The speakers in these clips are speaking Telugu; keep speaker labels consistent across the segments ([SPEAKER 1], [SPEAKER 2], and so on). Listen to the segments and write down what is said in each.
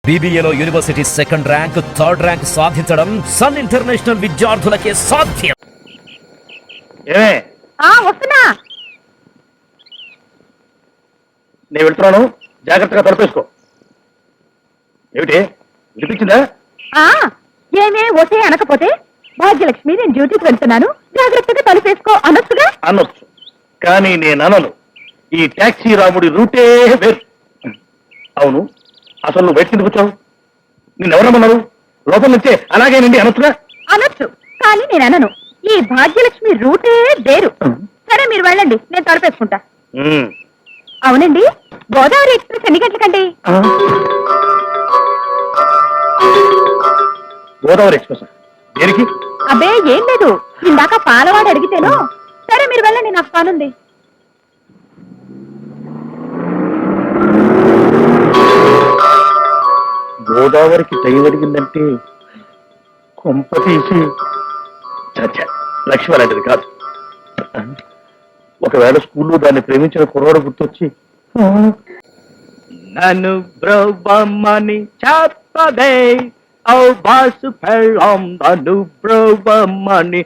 [SPEAKER 1] బీబీఏలో university second rank, third rank సాధించడం సన్ ఇంటర్నేషనల్ విద్యార్థులకే సాధ్యం.
[SPEAKER 2] వస్తున్నా.
[SPEAKER 3] నేను వెళ్తున్నాను, జాగ్రత్తగా తలపేసుకో. ఏమిటి వినిపించిందా?
[SPEAKER 2] ఏమే ఒకే అనకపోతే భాగ్యలక్ష్మి నేను డ్యూటీకి వెళ్తున్నాను, జాగ్రత్తగా తలుపేసుకో అనొచ్చుగా.
[SPEAKER 3] అనొచ్చు, కానీ నేను అనను. ఈ టాక్సీ రాముడి రూటే వేరు. అవును, అసలు నువ్వు బయట కిందకు వచ్చావు? నిన్నెవరమ్మన్నారు? లోపల నుంచే అలాగేనండి అనొచ్చుగా.
[SPEAKER 2] అనొచ్చు, కానీ నేను అనను. ఈ భాగ్యలక్ష్మి రూటే వేరు. సరే మీరు వెళ్ళండి, నేను తలుపేసుకుంటా. అవునండి, గోదావరి ఎక్స్ప్రెస్ ఎన్ని గంటలకండి?
[SPEAKER 3] గోదావరి ఎక్స్ప్రెస్ దేనికి?
[SPEAKER 2] అబ్బే ఏం లేదు, ఇందాక పాలవాడు అడిగితేను. సరే మీరు వెళ్ళండి, నాకు పనుంది.
[SPEAKER 3] గోదావరికి టైం అడిగిందంటే కొంప తీసి చచ్చా లక్ష్మి అలాంటిది కాదు. ఒకవేళ స్కూల్లో దాన్ని ప్రేమించిన కుర్రాడు గుర్తొచ్చి నన్ను బ్రహ్మని చెప్పదే ఓ బాసు పెళ్ళం, నన్ను బ్రహ్మని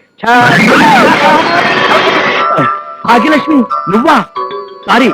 [SPEAKER 3] భాగ్యలక్ష్మి నువ్వా? సారీ.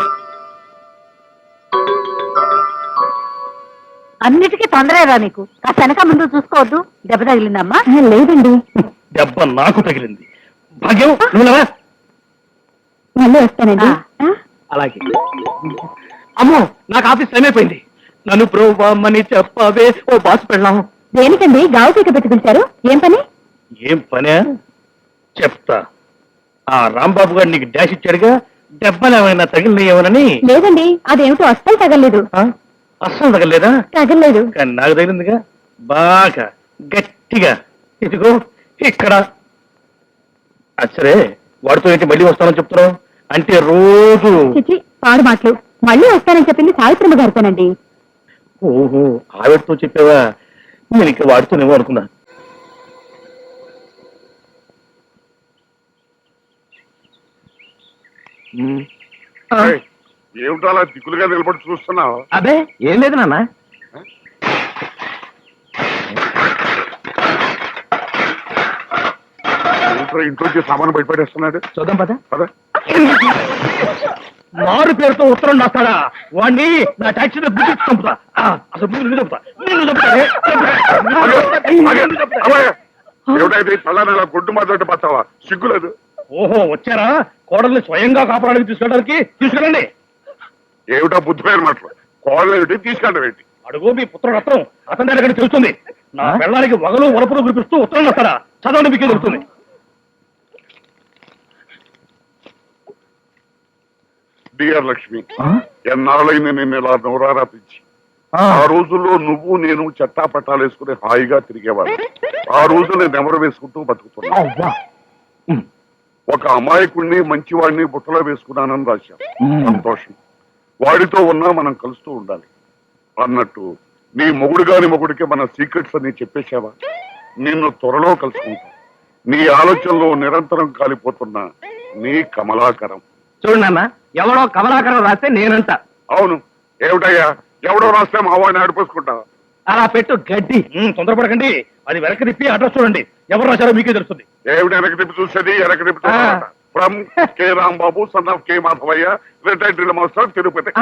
[SPEAKER 2] అన్నిటికీ తొందరగా నీకు. ఆ వెనక ముందు చూసుకోవద్దు. దెబ్బ తగిలిందమ్మా? లేదండి.
[SPEAKER 3] దెబ్బ నాకు తగిలింది. భాగ్యం నువ్వులవా?
[SPEAKER 2] మళ్ళీ వస్తానండి.
[SPEAKER 3] అలాగే. అమ్మో, నాకు ఆఫీస్ టైం అయిపోయింది. నన్ను బ్రోవమ్మని చెప్పవే ఓ బాసు పెళ్ళాం.
[SPEAKER 2] దేనికండి గావు పీక పెట్టి పిలిచారు? ఏం పని?
[SPEAKER 3] ఏం పనే చెప్తా. ఆ రాంబాబు గారు నీకు డాష్ ఇచ్చాడుగా, దెబ్బలు ఏమైనా తగిలినాయేమోనని.
[SPEAKER 2] లేదండి, అదేమిటో అస్సలు తగలేదు.
[SPEAKER 3] అస్సలు తగలేదా?
[SPEAKER 2] తగలేదు.
[SPEAKER 3] కానీ నాకు తగిలిందిగా, బాగా గట్టిగా. ఇదిగో ఇక్కడ. సరే, వాడితో ఏంటి మళ్ళీ వస్తానని చెప్తున్నావు? అంటే రోజు
[SPEAKER 2] చిచి పాడు మాటలు. మళ్ళీ వస్తానని చెప్పింది సావిత్రమ్మ గారితోనండి.
[SPEAKER 3] ఓహో, ఆవిడతో చెప్పావా? నేను ఇక్కడ వాడుతూనేమో అనుకున్నా.
[SPEAKER 4] ఏమిటో అలా దిక్కులుగా నిలబడి చూస్తున్నావు?
[SPEAKER 3] అదే ఏం లేదు నాన్న.
[SPEAKER 4] ఇంట్లోకి సామాను బయటపడేస్తున్నాడు.
[SPEAKER 3] చూద్దాం పద.
[SPEAKER 4] పద.
[SPEAKER 3] మారు పేరుతో ఉత్తరం రాస్తాడా? వాడిని నా టాక్సీలో గుర్తు చంపుతా. అసలు నిన్ను చంపుతా.
[SPEAKER 4] ఏమిటైతే తల్లని ఇలా గొడ్డు మాట్లాడి పచ్చావా? సిగ్గులేదు.
[SPEAKER 3] ఓహో, వచ్చారా? కోడల్ని స్వయంగా కాపాడానికి తీసుకెళ్ళడానికి. తీసుకెళ్ళండి.
[SPEAKER 4] ఏమిటా బుద్ధిపోయిన మాటలు? కోడలు ఏమిటి, తీసుకెళ్ళడం ఏంటి?
[SPEAKER 3] అడుగు మీ పుత్రుడు రత్నం, అతని దగ్గర తెలుస్తుంది. నా పెళ్ళానికి వగలు వరపులు కురిపిస్తూ ఉత్తరం రాస్తాడా? చదవండి, మీకే దొరుకుతుంది.
[SPEAKER 4] డియర్ లక్ష్మి, ఎన్నాళ్ళైంది నిన్ను ఇలా నోరారా పిచ్చి. ఆ రోజుల్లో నువ్వు నేను చట్టా పట్టాలు వేసుకుని హాయిగా తిరిగేవాడు. ఆ రోజు నేను నెమరు వేసుకుంటూ బతుకుతున్నా. ఒక అమాయకుడిని మంచివాడిని బుట్టలో వేసుకున్నానని రాశాం. సంతోషం. వాడితో ఉన్నా మనం కలుస్తూ ఉండాలి అన్నట్టు నీ మొగుడు గాని మొగుడికి మన సీక్రెట్స్ అన్ని చెప్పేశావా? నిన్ను త్వరలో కలుసుకుంటా. నీ ఆలోచనలో నిరంతరం కాలిపోతున్నా నీ కమలాకరం.
[SPEAKER 3] చూడు నాన్న, ఎవడో కమలాకరం రాస్తే నేనంట.
[SPEAKER 4] అవును, ఏమిటయ్యా, ఎవడో రాస్తే మా వాడిని ఆడిపోసుకుంటావా?
[SPEAKER 3] అలా పెట్టు గడ్డి. తొందరపడకండి, అది వెనక తిప్పి అడ్రస్ చూడండి. ఎవరు రాశారో మీకే తెలుస్తుంది.
[SPEAKER 4] ఏమిటి వెనక తిప్పి చూసేది? వెనక తిప్పి from K Rambabu, son of K Madhavaiah, retired drill master, Tirupati.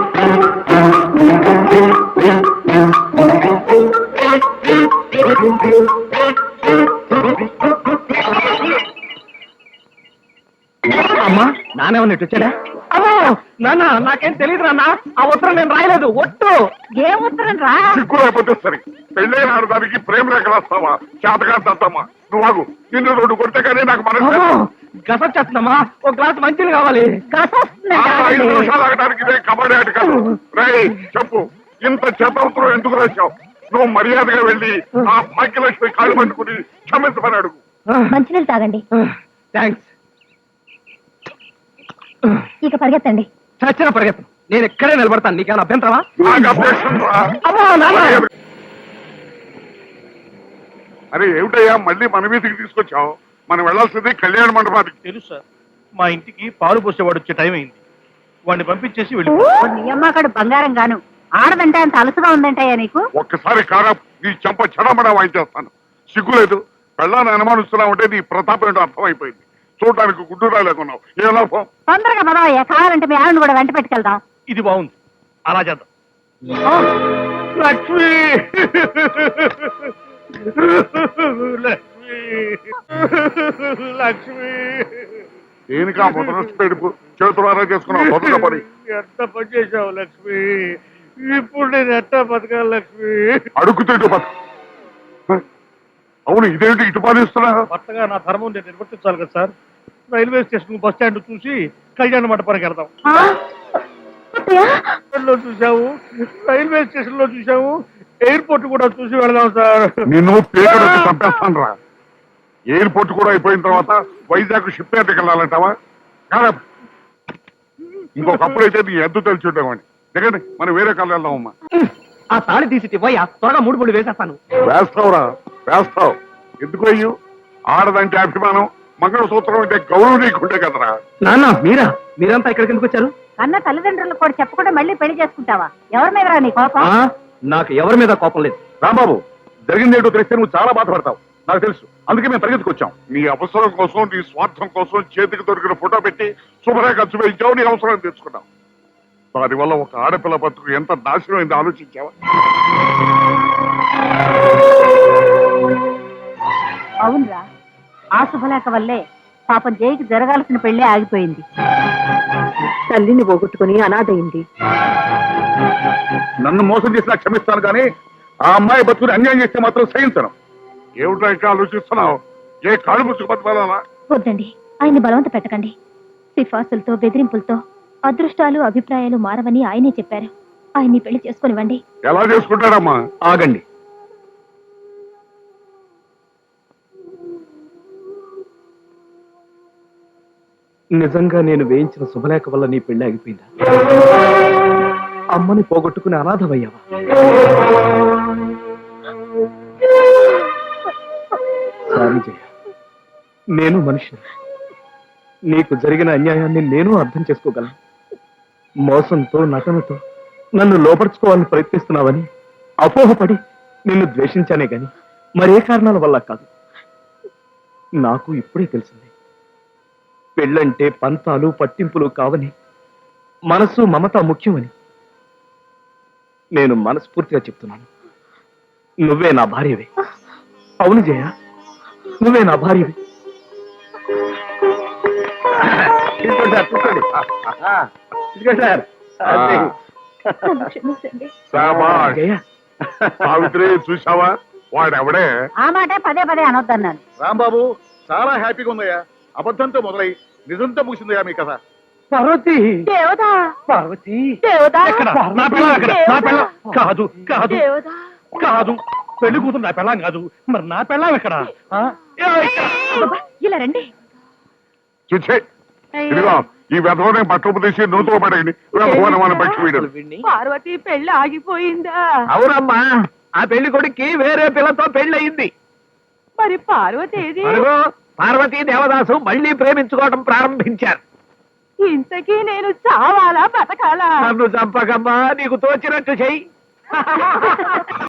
[SPEAKER 3] అమ్మా, నానేమన్నా ఇటు వచ్చాడా? అమ్మో నాన్న, నాకేం తెలియదు నాన్న. ఆ ఉత్తరం నేను రాయలేదు. ఒట్టు.
[SPEAKER 2] ఏ ఉత్తరం రా?
[SPEAKER 4] సిగ్గు రాకపోతే సరే, పెళ్ళైన ఆడదానికి ప్రేమ రేఖ రాస్తావా? చేతగా తత్తమ్మా నువ్వు ఆగు. నిన్ను రెండు కొడితే కానీ నాకు మనసు.
[SPEAKER 3] గసొచ్చేస్తుందమ్మా, ఒక గ్లాస్ మంచిది కావాలి.
[SPEAKER 4] 5 నిమిషాలు ఆగడానికి ఇదే కబడ్డీ ఆట కాదు. రై చెప్పు, ఇంత చేతవసరం ఎందుకు రాశావు? నువ్వు మర్యాదగా వెళ్ళి ఆ భాగ్యలక్ష్మి కాళ్ళు పట్టుకుని క్షమించమని అడుగు.
[SPEAKER 2] మంచినీళ్ళు తాగండి.
[SPEAKER 3] థ్యాంక్స్.
[SPEAKER 2] ఇక పరిగెత్తండి.
[SPEAKER 3] చచ్చిన పరిగెత్తు. నేను ఎక్కడే నిలబడతాను. నీకేమైనా అభ్యంతరమా?
[SPEAKER 4] నాకు అభ్యక్షం రా. అరే ఏమిటయ్యా, మళ్ళీ మన వీధికి తీసుకొచ్చావు? మనం వెళ్లాల్సింది కళ్యాణ మండపానికి.
[SPEAKER 3] తెలుసు సార్, మా ఇంటికి పాలు పోసేవాడు వచ్చే టైం అయింది. వాడిని పంపించేసి వెళ్ళి.
[SPEAKER 2] నీ అమ్మకాడు బంగారం గాను ఆడదంటే అంత అలసుగా ఉందంటయ్యా నీకు?
[SPEAKER 4] ఒక్కసారి కారా నీ చెంప చెడమడా వాయించేస్తాను. సిగ్గులేదు. పెళ్ళాన్ని అనుమానిస్తున్నావు అంటే నీ ప్రతాపం ఏంటో అర్థమైపోయింది. చూడటానికి గుడ్డు రాలేకున్నావు. ఏ లాభం?
[SPEAKER 2] తొందరగా పదవయ్యా, కావాలంటే మీ ఆవిడని కూడా వెంట పెట్టుకెళ్దాం.
[SPEAKER 3] ఇది బాగుంది, అలా చేద్దాం. లక్ష్మి లక్ష్మి లక్ష్మి
[SPEAKER 4] దేనికా మొదటి పెడుపు చేతులారా చేసుకున్నావు మొదట పని.
[SPEAKER 3] ఎంత పని చేశావు లక్ష్మి, ఇప్పుడు నేను ఎట్టా బతకాలి లక్ష్మి?
[SPEAKER 4] అడుగుతూ బతు. అవును, ఇదేంటి ఇటు పాలిస్తున్నా?
[SPEAKER 3] కొత్తగా నా ధర్మం నేను నిర్వర్తించాలి కదా sir. Railway station bus stand చూసి కళ్యాణ మండపానికి వెళ్దాం. లో చూసాము, రైల్వే స్టేషన్ లో చూసాము, ఎయిర్పోర్ట్ కూడా చూసి వెళదాం సార్.
[SPEAKER 4] నిన్ను పేరు చంపేస్తాను రా. ఎయిర్పోర్ట్ కూడా అయిపోయిన తర్వాత వైజాగ్ షిప్ యార్డ్కి వెళ్ళాలంటావా? కాదా, ఇంకొకప్పుడు అయితే నీ ఎద్దు తెలిసి ఉండేవాడిని. దిగండి, మనం వేరే కాళ్ళు వెళ్దామమ్మా.
[SPEAKER 3] ఆ తాళి తీసి పోయా, త్వరగా 3 వేసేస్తాను.
[SPEAKER 4] వేస్తావురా, వేస్తావు. ఎందుకు అయ్యు? ఆడదంటే అభిమానం, మంగళసూత్రం అంటే గౌరవం నీకుంటే కదరా.
[SPEAKER 3] నాన్న మీరంతా ఇక్కడికి ఎందుకు వచ్చారు?
[SPEAKER 2] కన్న తల్లిదండ్రులు కూడా చెప్పకుండా మళ్ళీ పెళ్లి చేసుకుంటావా? ఎవరి మీద నీ కోపం?
[SPEAKER 3] నాకు ఎవరి మీద కోపం లేదు.
[SPEAKER 4] రాంబాబు, జరిగిందేంటో తెలిస్తే నువ్వు చాలా బాధపడతావు, నాకు తెలుసు. అందుకే మేము పరిగెత్తుకొచ్చాం. నీ అవసరం కోసం, నీ స్వార్థం కోసం చేతికి దొరికిన ఫోటో పెట్టి శుభ్రంగా ఖర్చు వేయించావు. నీ అవసరం తెచ్చుకున్నావు. దానివల్ల ఒక ఆడపిల్ల బతుకు ఎంత నాశనం అయిందో ఆలోచించావా?
[SPEAKER 2] అవునరా, ఆ శుభలేఖ వల్లే పాపం జైకి జరగాల్సిన పెళ్లి ఆగిపోయింది. తల్లిని పోగొట్టుకుని అనాథయింది.
[SPEAKER 4] నన్ను మోసం చేసినా క్షమిస్తాను, కానీ ఆ అమ్మాయి బతుకుని అన్యాయం చేస్తే మాత్రం సహించను. ఏమిటో ఇంకా ఆలోచిస్తున్నావు? ఏ కాళ్ళు ముసుకు బతకాలా?
[SPEAKER 2] వద్దండి, ఆయన్ని బలవంత పెట్టకండి. సిఫార్సులతో బెదిరింపులతో అదృష్టాలు అభిప్రాయాలు మారవని ఆయనే చెప్పారు. ఆయన్ని పెళ్లి చేసుకునివ్వండి.
[SPEAKER 4] ఎలా చేసుకుంటాడమ్మా?
[SPEAKER 3] ఆగండి. నిజంగా నేను వేయించిన శుభలేఖ వల్ల నీ పెళ్లి ఆగిపోయిందా? అమ్మని పోగొట్టుకుని అనాథమయ్యావా? సారీ జయ, నేను మనిషిని. నీకు జరిగిన అన్యాయాన్ని నేను అర్థం చేసుకోగలను. మోసంతో నటనతో నన్ను లోపరుచుకోవాలని ప్రయత్నిస్తున్నావని అపోహపడి నిన్ను ద్వేషించానే గాని మరే కారణాల వల్ల కాదు. నాకు ఇప్పుడే తెలిసింది, పెళ్ళంటే పంతాలు పట్టింపులు కావని, మనసు మమత ముఖ్యమని. నేను మనస్ఫూర్తిగా చెప్తున్నాను, నువ్వే నా భార్యవే. అవును జయ, నువ్వే నా భార్యవే.
[SPEAKER 4] శాబాష్.
[SPEAKER 3] జయ,
[SPEAKER 4] సావిత్రి, చూసావా వాడెవడే?
[SPEAKER 2] ఆ మాట పదే పదే అనొద్దన్నాను.
[SPEAKER 3] రాంబాబు,
[SPEAKER 4] చాలా హ్యాపీగా ఉందయ్యా. అబద్ధంతో మొదలై నిజంతో ముగిసిందయ్యా మీ కథ.
[SPEAKER 3] పార్వతి,
[SPEAKER 2] దేవదా,
[SPEAKER 3] పార్వతి
[SPEAKER 2] దేవదా,
[SPEAKER 3] ఎక్కడ? నా పెళ్ళాం ఎక్కడ? నా పెళ్ళాం కాదు, కాదు,
[SPEAKER 2] దేవదా.
[SPEAKER 3] కాదు. పెళ్లి కూతురు నా పెళ్ళాం కాదు. మరి నా పెళ్ళాం ఎక్కడ? ఆ?
[SPEAKER 2] అబ్బబ్బా, ఇలా రండి.
[SPEAKER 4] చూచే, ఇదిగో ఈ వెధవనే బట్టలు తీసి నూతులు పడేయండి. మన పక్షి వీడు.
[SPEAKER 2] పార్వతి పెళ్లి ఆగిపోయిందా?
[SPEAKER 3] అవునమ్మా, ఆ పెళ్లి కొడుక్కి వేరే పిల్లతో పెళ్లి.
[SPEAKER 2] మరి పార్వతి ఏది?
[SPEAKER 3] అదిగో పార్వతీ దేవదాసు మళ్ళీ ప్రేమించుకోవడం ప్రారంభించారు.
[SPEAKER 2] ఇంతకీ నేను చావాలా బతకాలా?
[SPEAKER 3] నన్ను చంపకమ్మా, నీకు తోచినట్టు చెయ్యి.